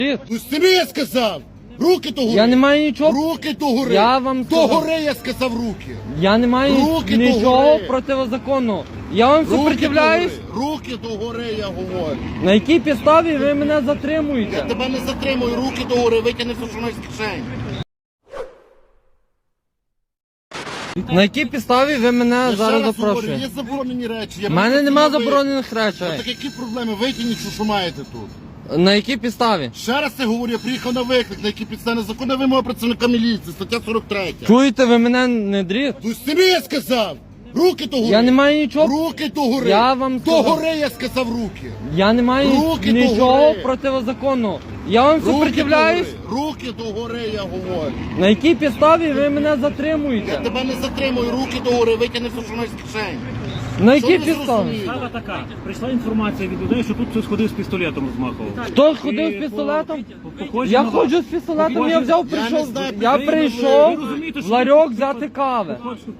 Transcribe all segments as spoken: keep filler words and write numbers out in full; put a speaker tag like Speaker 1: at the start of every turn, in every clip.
Speaker 1: Ну собі я сказав! Руки до гори!
Speaker 2: Я не маю нічого.
Speaker 1: Руки до гори!
Speaker 2: Я вам
Speaker 1: до
Speaker 2: сказав.
Speaker 1: гори я сказав руки!
Speaker 2: Я не маю
Speaker 1: Руки до
Speaker 2: нічого
Speaker 1: гори.
Speaker 2: протизаконного. Я вам
Speaker 1: Руки
Speaker 2: супротивляюсь.
Speaker 1: до гори! Руки до гори, я говорю!
Speaker 2: На якій підставі ви мене
Speaker 1: Я
Speaker 2: затримуєте?
Speaker 1: тебе не затримую, руки до гори, витягни все, що маєш з кишені!
Speaker 2: На якій підставі ви мене
Speaker 1: Я ще
Speaker 2: зараз
Speaker 1: раз говорю,
Speaker 2: запрошуєте?
Speaker 1: є заборонені речі.
Speaker 2: У мене нема
Speaker 1: ви-
Speaker 2: заборонених
Speaker 1: Ну,
Speaker 2: речей.
Speaker 1: так які проблеми? Витягніть, що, що маєте тут.
Speaker 2: На якій підставі?
Speaker 1: Ще раз я говорю, я приїхав на виклик, на які підстави незаконна вимога працівника міліції, стаття сорок три.
Speaker 2: Чуєте, ви мене не дріт?
Speaker 1: Ну собі я сказав! Руки до гори!
Speaker 2: Я не маю нічого.
Speaker 1: Руки до гори!
Speaker 2: Я вам
Speaker 1: До
Speaker 2: сказав.
Speaker 1: гори я сказав руки!
Speaker 2: Я не маю
Speaker 1: Руки до
Speaker 2: нічого
Speaker 1: гори.
Speaker 2: протизаконного. Я вам
Speaker 1: Руки до
Speaker 2: супротивляюсь.
Speaker 1: гори! Руки до гори, я говорю!
Speaker 2: На якій підставі ви мене
Speaker 1: Я
Speaker 2: затримуєте?
Speaker 1: тебе не затримую, руки до гори, витягни все, що маєш з кишені!
Speaker 2: На
Speaker 1: Що
Speaker 2: якій
Speaker 1: ви
Speaker 2: підставі?
Speaker 1: зрозуміли?
Speaker 3: Справа така. Прийшла інформація від людей, що тут хтось ходив з пістолетом розмахував.
Speaker 2: Хто ходив
Speaker 3: І
Speaker 2: з пістолетом?
Speaker 3: по- по- похоже
Speaker 2: Я
Speaker 3: на вас.
Speaker 2: ходжу з пістолетом, я
Speaker 3: Похоже-
Speaker 2: взяв,
Speaker 1: Я не
Speaker 2: прийшов.
Speaker 1: знаю,
Speaker 2: Я
Speaker 1: ви-
Speaker 2: прийшов
Speaker 3: ви розумієте,
Speaker 2: в
Speaker 3: що
Speaker 2: ларьок
Speaker 3: ви-
Speaker 2: взяти кави.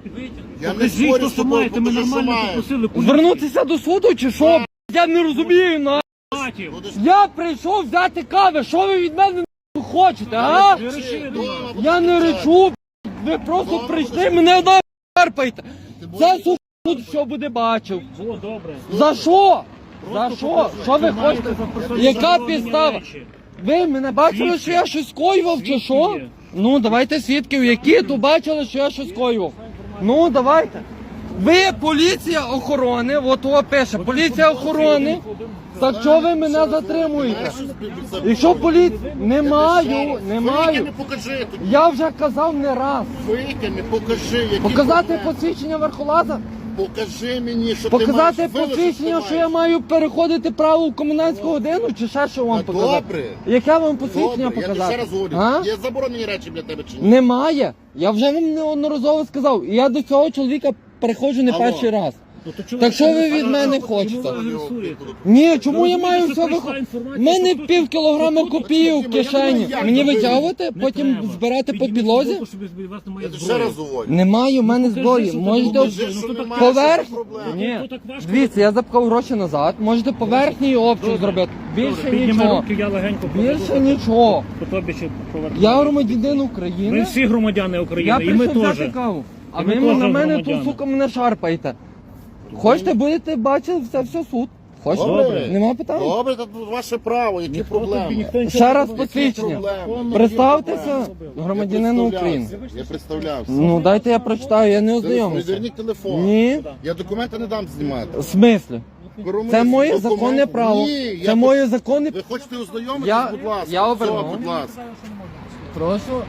Speaker 1: Я не
Speaker 3: Покажіть,
Speaker 1: спорю
Speaker 3: то,
Speaker 1: з
Speaker 3: що
Speaker 1: тобою,
Speaker 3: маєте, ми
Speaker 1: покажи, що
Speaker 3: нормально
Speaker 1: маєш.
Speaker 3: попросили поліцію.
Speaker 2: Звернутися до суду чи що? б***ь? Я не розумію, на.
Speaker 3: Матів.
Speaker 2: Я прийшов взяти кави, що ви від мене нахуй хочете, а?
Speaker 3: Ви речили до нас.
Speaker 2: Я не речу, б***ь. Ви просто прийшли, мене нахарпаєте. Це суд що буде бачив.
Speaker 3: О, добре.
Speaker 2: За що? За
Speaker 3: Просто
Speaker 2: що?
Speaker 3: покажи,
Speaker 2: Що ви
Speaker 3: що маєте
Speaker 2: хочете?
Speaker 3: за персональні
Speaker 2: Яка
Speaker 3: заборонені
Speaker 2: підстава?
Speaker 3: речі.
Speaker 2: Ви мене бачили,
Speaker 3: Свідки.
Speaker 2: що я щось скоював чи
Speaker 3: Свідки
Speaker 2: що?
Speaker 3: є.
Speaker 2: Ну, давайте свідків, які тут бачили, що я щось скоював. Ну, давайте. Ви поліція охорони, от о пише, поліція охорони. Так що ви мене затримуєте? Якщо поліція... Не маю, не маю.
Speaker 1: Витягни, покажи тоді.
Speaker 2: Я вже казав не раз.
Speaker 1: Витягни, покажи, які
Speaker 2: Показати
Speaker 1: проблеми.
Speaker 2: посвідчення верхолаза?
Speaker 1: Покажи мені, що
Speaker 2: Показати
Speaker 1: ти маєш. Вилиш,
Speaker 2: посвідчення,
Speaker 1: ти
Speaker 2: що я
Speaker 1: маєш.
Speaker 2: маю переходити праву в комендантську годину, чи ще що вам
Speaker 1: Та
Speaker 2: показати?
Speaker 1: добре.
Speaker 2: Яке вам посвідчення
Speaker 1: Добре, я тобі
Speaker 2: показати?
Speaker 1: ще раз говорю,
Speaker 2: А?
Speaker 1: є заборонені речі для тебе чи ні?
Speaker 2: Немає. Я вже вам неодноразово сказав. І я до цього чоловіка переходжу не
Speaker 1: Алло.
Speaker 2: перший раз.
Speaker 3: Ну, то чого
Speaker 2: Так що ви
Speaker 3: а,
Speaker 2: від
Speaker 3: а,
Speaker 2: мене
Speaker 3: чому
Speaker 2: хочете?
Speaker 3: ви агресуєте?
Speaker 2: Ні, чому
Speaker 3: Ви
Speaker 2: я маю
Speaker 3: розумієте,
Speaker 2: все
Speaker 3: що прийшла
Speaker 2: виходити? У
Speaker 3: інформація,
Speaker 2: мене
Speaker 3: що тут-
Speaker 2: пів кілограма
Speaker 3: що тут-
Speaker 2: копію в
Speaker 1: я думаю,
Speaker 2: кишені.
Speaker 1: як
Speaker 2: Мені
Speaker 1: ви-
Speaker 2: витягувати,
Speaker 3: Не
Speaker 2: потім
Speaker 3: треба.
Speaker 2: збирати по
Speaker 3: Підніміть
Speaker 2: підлозі?
Speaker 3: руку, щоб без вас немає
Speaker 1: Я тобі ще
Speaker 3: зброї.
Speaker 1: раз говорю.
Speaker 2: Немає в мене
Speaker 3: Ну, покажи,
Speaker 2: зброї.
Speaker 3: що ти
Speaker 2: Можете
Speaker 3: покажи,
Speaker 1: Покажи,
Speaker 3: ну,
Speaker 1: що
Speaker 3: то
Speaker 1: немає,
Speaker 3: так-
Speaker 2: поверх?
Speaker 1: що проблема.
Speaker 2: Ні.
Speaker 3: То так важко.
Speaker 2: Дивіться, я запхав гроші назад. Можете поверхній обшук
Speaker 3: Добре.
Speaker 2: зробити. Більше
Speaker 3: Добре, підніми
Speaker 2: нічого.
Speaker 3: руки, я легенько
Speaker 2: Більше
Speaker 3: покажу.
Speaker 2: нічого.
Speaker 3: По тобі ще поверну.
Speaker 2: Я громадянин
Speaker 3: Ми
Speaker 2: України.
Speaker 3: всі громадяни
Speaker 2: Я
Speaker 3: України, і ми
Speaker 2: прийшов взяти
Speaker 3: теж.
Speaker 2: каву. А
Speaker 3: І
Speaker 2: ви
Speaker 3: ми
Speaker 2: на
Speaker 3: теж
Speaker 2: мене тут,
Speaker 3: громадяни.
Speaker 2: сука, мене шарпаєте. Хочете, будете бачити це все суд. Хочете?
Speaker 1: Добре.
Speaker 2: Нема питань.
Speaker 1: Добре, це ваше право, які
Speaker 3: Ніхто тобі
Speaker 1: проблеми?
Speaker 3: ніхто нічого
Speaker 2: Ще
Speaker 3: не
Speaker 2: раз
Speaker 3: робить.
Speaker 2: посвідчення.
Speaker 1: проблеми?
Speaker 2: Представтеся
Speaker 1: Я
Speaker 2: громадянину
Speaker 1: представлявся,
Speaker 2: України.
Speaker 1: Я представлявся.
Speaker 2: Ну дайте я прочитаю, я не
Speaker 1: Телефон,
Speaker 2: ознайомився.
Speaker 1: Зверніть телефон.
Speaker 2: Ні.
Speaker 1: Я документи не дам знімати.
Speaker 2: В смислі? Це моє
Speaker 1: Документ-
Speaker 2: законне право.
Speaker 1: Ні,
Speaker 2: Це
Speaker 1: я...
Speaker 2: моє законне.
Speaker 1: Ви хочете ознайомитись,
Speaker 2: Я-
Speaker 1: будь ласка.
Speaker 2: я
Speaker 1: Все,
Speaker 2: обернув.
Speaker 1: будь ласка.
Speaker 2: Прошу.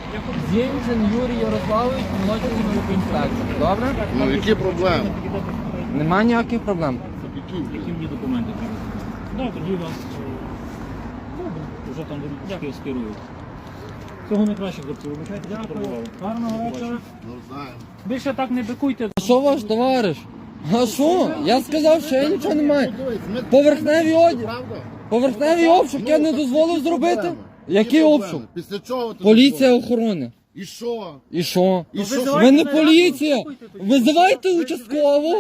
Speaker 2: Зінчен Юрій Ярославович, молодший інспектор. Добре?
Speaker 1: Ну, які проблеми?
Speaker 2: Нема ніяких проблем.
Speaker 1: Які?
Speaker 3: Які мені документи треба? Да, тоді вас е, добре, вже там дякую, скерують. Всього найкраще, хлопці, вибачайте, що турбували. Гарного вечора.
Speaker 1: Ну, знаю.
Speaker 3: Більше так не бикуйте.
Speaker 2: А що ваш товариш? А що? Я сказав, що я нічого не маю.
Speaker 1: Дивись, ми-
Speaker 2: Поверхневий одяг.
Speaker 1: Правда?
Speaker 2: Поверхневий обшук я не дозволив зробити. Який обшук?
Speaker 1: Після чого ти
Speaker 2: Поліція
Speaker 1: дозволив?
Speaker 2: охорони.
Speaker 1: І що?
Speaker 2: І що?
Speaker 1: І що?
Speaker 2: Ви не поліція. Визивайте участкову.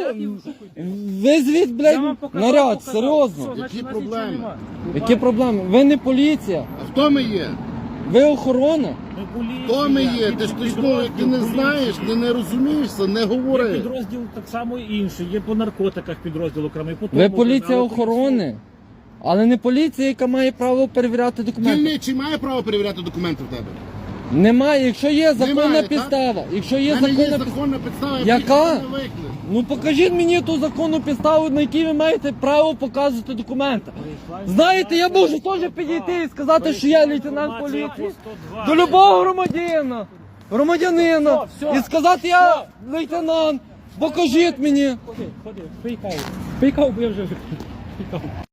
Speaker 2: Визвіть, блядь, наряд, серйозно.
Speaker 1: Які проблеми?
Speaker 2: Які проблеми? Ви не поліція.
Speaker 1: А хто ми є?
Speaker 2: Ви охорона.
Speaker 3: Ми поліція.
Speaker 1: Хто ми є?
Speaker 3: Є
Speaker 1: Ти ж ти ж ну,
Speaker 3: підрозділ
Speaker 1: як ти не
Speaker 3: поліції.
Speaker 1: знаєш, не, не розумієшся, не
Speaker 3: Є
Speaker 1: говори.
Speaker 3: підрозділ так само і інший, є по наркотиках підрозділ окремий. по
Speaker 2: Ви
Speaker 3: тому,
Speaker 2: поліція
Speaker 3: але
Speaker 2: охорони. Але не поліція, яка має право перевіряти документи.
Speaker 1: Дільничий має право перевіряти документи в тебе?
Speaker 2: Немає. Якщо є законна
Speaker 1: Немає, так?
Speaker 2: підстава. Якщо
Speaker 1: У
Speaker 2: є
Speaker 1: мене є
Speaker 2: законна підстава.
Speaker 1: законна підстава,
Speaker 2: Яка?
Speaker 1: я не виклик.
Speaker 2: Ну покажіть мені ту законну підставу, на якій ви маєте право показувати документи. Знаєте, я можу теж підійти і сказати, що я лейтенант поліції до любого громадянина, громадянина, і сказати, я лейтенант, покажіть мені.
Speaker 3: Ходи, ходи, пий каву. Пий каву, бо я вже пий каву.